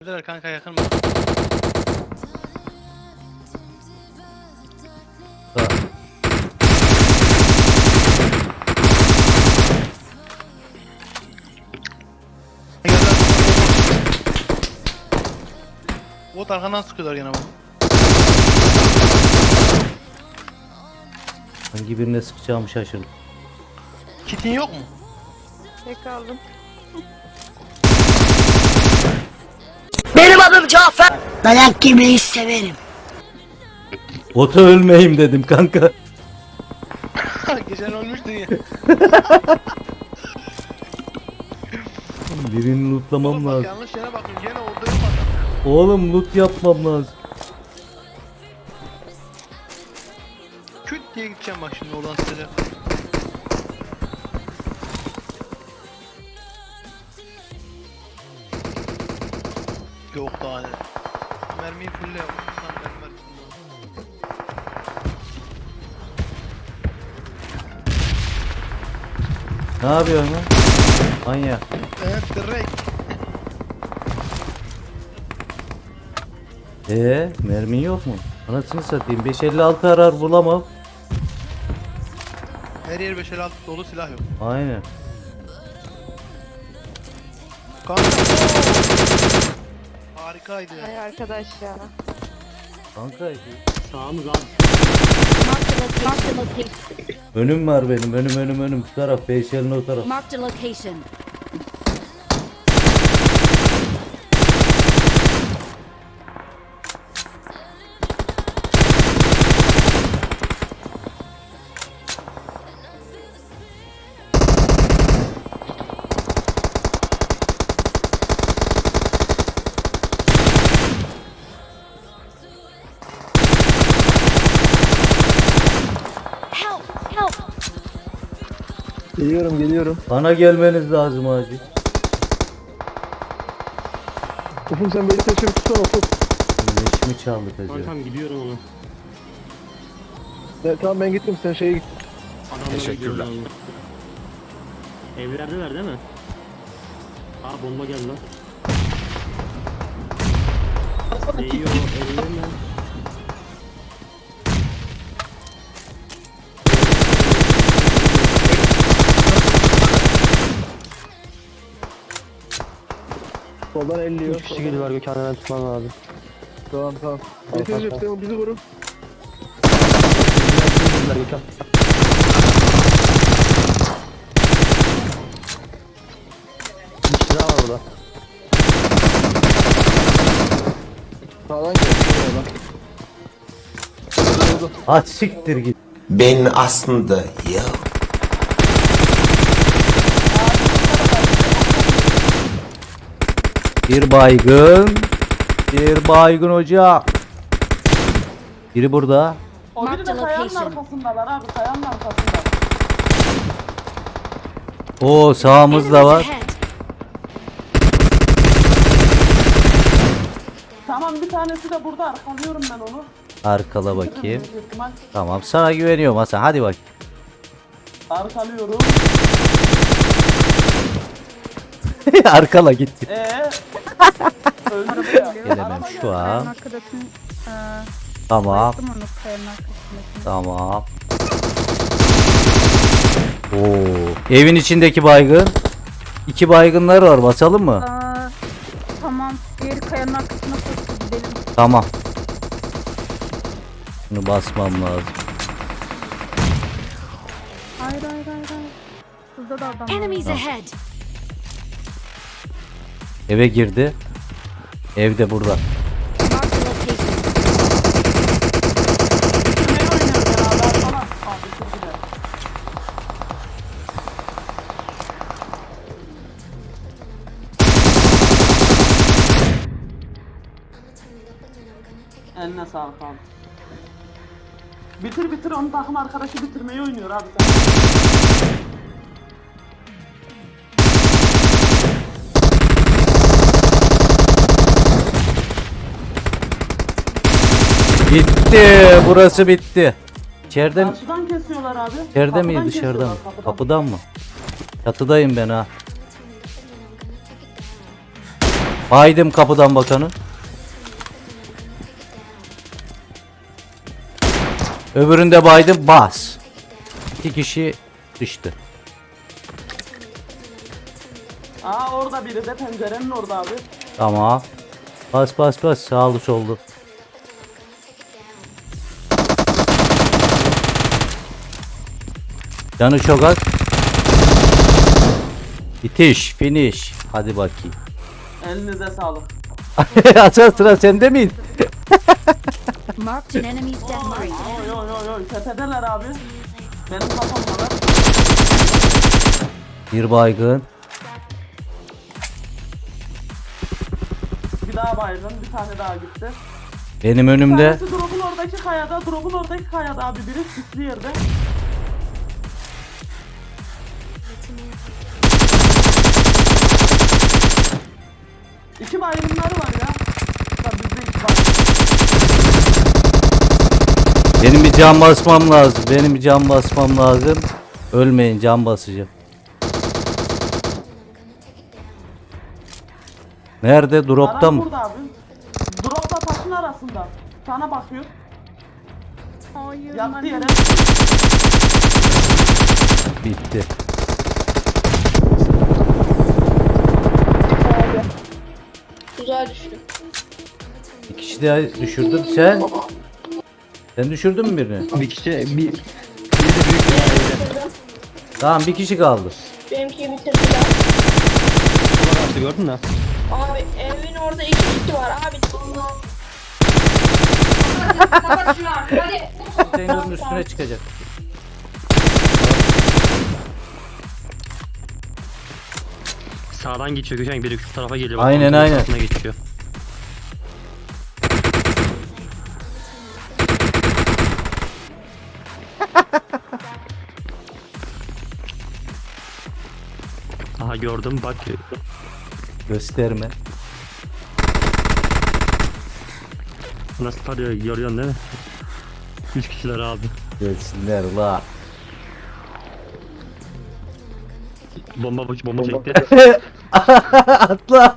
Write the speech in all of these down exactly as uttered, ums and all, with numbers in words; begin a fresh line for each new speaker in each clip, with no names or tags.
Neler kanka yakın mı?
Ha.
Bot arkandan sıkıyorlar gene bu.
Hangi birine sıkacağımı şaşırdım.
Kitin yok mu?
Tek aldım.
Benim adım Cafer. Dayak yemeyi severim.
Bota ölmeyeyim dedim kanka.
Geçen ölmüştün ya.
Birini lootlamam
Oğlum bak
lazım.
yanlış yere bakıyorum gene orada yok adam.
Oğlum loot yapmam lazım.
Küt diye gideceğim bak şimdi oradan sıcak. Yok daha ne. Mermiyi fulle yap. Lan mermi var içinde.
Ne yapıyorsun lan? Manyak.
Evet direkt.
Eee mermin yok mu? Anasını satayım beş elli altı arar bulamam.
Her yer beş elli altı dolu silah yok.
Aynen.
Kanka. Harikaydı ya.
Ay arkadaş ya.
Kanka
Sağımız abi.
Marked a location. Marked a location.
önüm var benim önüm önüm önüm bu taraf beş elli o taraf.
Marked a location. Help! Help!
Geliyorum geliyorum.
Bana gelmeniz lazım acil.
Ufuk sen beni taşıyıp tutsana Ufuk.
Leşimi çaldık acaba.
Kankam gidiyorum ona. Evet, tamam ben gittim sen şeye git.
Teşekkürler.
Evlerdeler değil mi? Aa bomba geldi lan. Değiyor ellerine. Soldan elliyor. üç kişi geliyor Gökhan hemen tutman lazım. Tamam tamam. Getireceğim sen bizi vurun. Gökhan. Bir kişi daha var orada. Sağdan gel. Sağdan.
Aç siktir git.
Ben aslında ya.
Bir baygın. Bir baygın hoca. Biri burada.
O biri
Marked
de
a
kayanın
location.
arkasındalar abi, kayanın arkasında.
Oo sağımızda
Enemies
var.
ahead.
Tamam, bir tanesi de burada, arkalıyorum ben onu.
Arkala bakayım.
Büyük ihtimal.
Tamam sana güveniyorum Hasan hadi bak.
Arkalıyorum.
Arkala gitti.
Eee? Öldü ya.
Gelemem şu an.
Arkadaşın eee
Tamam.
baktım onu kayanın arkasındaki.
Tamam. Oo. Evin içindeki baygın. İki baygınlar var basalım mı?
Aa, tamam. Diğeri kayanın arkasına koştu, gidelim.
Tamam. Bunu basmam lazım.
Hayır hayır hayır hayır. Şurada da adam var.
Enemies ahead.
Eve girdi. Evde burada.
Marked a location.
Bitirmeyi oynuyor beraber falan. Aa, bitirdiler. Eline sağlık abi. Bitir bitir, onun takım arkadaşı bitirmeyi oynuyor abi sen.
Bitti. Burası bitti. İçeride mi?
Karşıdan kesiyorlar abi.
İçeride
Kapıdan
mi dışarıda
kesiyorlar,
mı?
kapıdan.
Kapıdan mı? Çatıdayım ben ha. Baydım kapıdan bakanı. Öbüründe baydım bas. İki kişi düştü.
Aa orada biri de pencerenin orada abi.
Tamam. Bas bas bas sağlı sollu. Canı çok az. Bitiş, finish. Hadi bakayım.
Elinize sağlık.
Asıl sıra sende miydi?
Marked an enemy's death
Oy
rate.
oy oy oy oy tepedeler abi. Benim kafamda.
Bir baygın.
Bir daha baygın, bir tane daha gitti.
Benim
Bir
önümde.
tanesi drop'un oradaki kayada, drop'un oradaki kayada abi biri sisli yerde. İki baygınları var ya. Ya bizde iki baygın.
Benim bir can basmam lazım. Benim bir can basmam lazım. Ölmeyin, can basacağım. Nerede? Dropta
Adam
mı?
burada abi. Drop'la taşın arasında. Sana bakıyor.
Hayır.
Yattı
mermi-
yere.
Bitti.
Tuzağa düştü.
Bir kişi daha düşürdüm. Sen? Sen düşürdün mü birini?
Bir kişi bir
Tamam, bir kişi kaldı.
Benimkiyi bitirdiler.
attı gördün mü?
Abi evin orada iki kişi var abi.
Zeynur'un üstüne çıkacak.
Sağdan geçiyor Gökhan, biri şu tarafa geliyor. Bak,
Aynen,
kontrol
aynen.
tarafına geçiyor. Aha gördüm bak.
Gösterme.
Nasıl tarıyor, görüyorsun değil mi? Üç kişiler abi.
Gelsinler la.
Bomba bomba, bomba çekti.
Atla.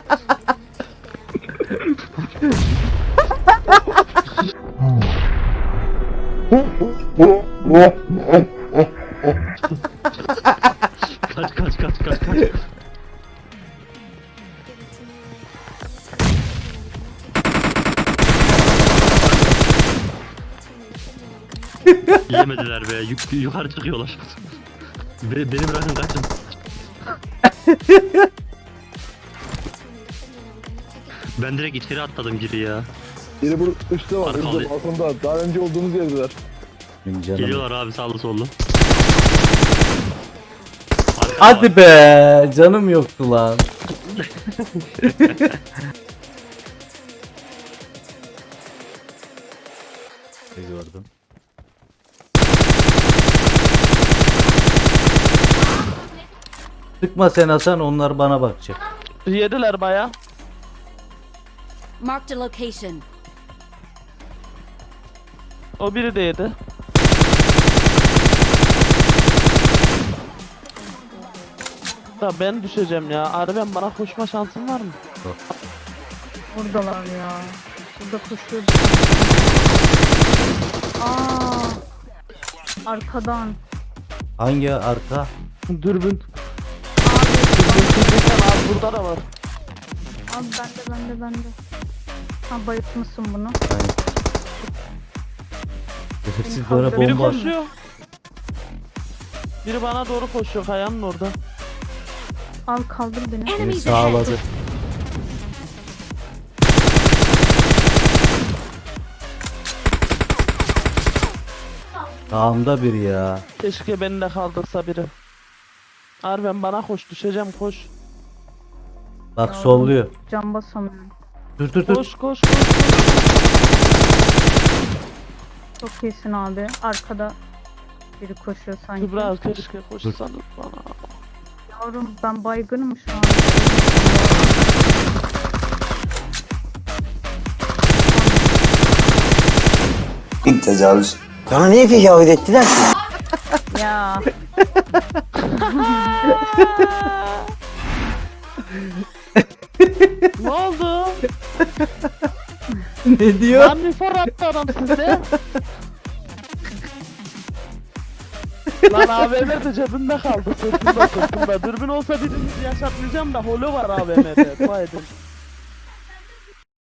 Kaç kaç kaç kaç kaç. Yemediler be, yuk yukarı çıkıyorlar. Be beni bırakın, kaçın. Ben direkt içeri atladım giri ya.
Biri bu üstte var.
Arkalı.
Üstte balkonda. Daha önce olduğumuz yerdeler.
Benim canım.
Geliyorlar abi sağlı sollu.
Hadi be, canım yoktu lan. Gördüm. Sıkma sen Hasan, onlar bana bakacak.
Yediler baya.
Marked a location.
O biri de yedi. Ya ben düşeceğim ya. Arben bana koşma şansın var mı?
Buradalar ya. Burada koşuyordu. Aa. Arkadan.
Hangi arka?
Dürbün. Dürbün dürbün abi burada da var.
Abi bende bende bende. Ha bayıtmışsın bunu.
Siz bana
Biri
bomba.
koşuyor. Biri bana doğru koşuyor kayanın orada.
Al kaldır beni.
Beni
Enemies ahead.
sağladı. Sağımda biri ya.
Keşke beni de kaldırsa biri. Arben bana koş düşeceğim koş.
Bak solluyor.
Can basamıyorum.
Dur dur dur.
Koş koş koş.
Çok iyisin abi. Arkada biri koşuyor sanki.
Kübra keşke koşsanız bana.
Yavrum ben baygınım şu an.
İlk tecavüz.
Sana niye tecavüz ettiler ki?
Ya.
Ne oldu?
Ne diyor?
Lan bir for attı adam sizde. Lan A V M de cebimde kaldı, sırtımda sırtımda. Dürbün olsa birinizi yaşatmayacağım da holo var A V M'de. Dua edin.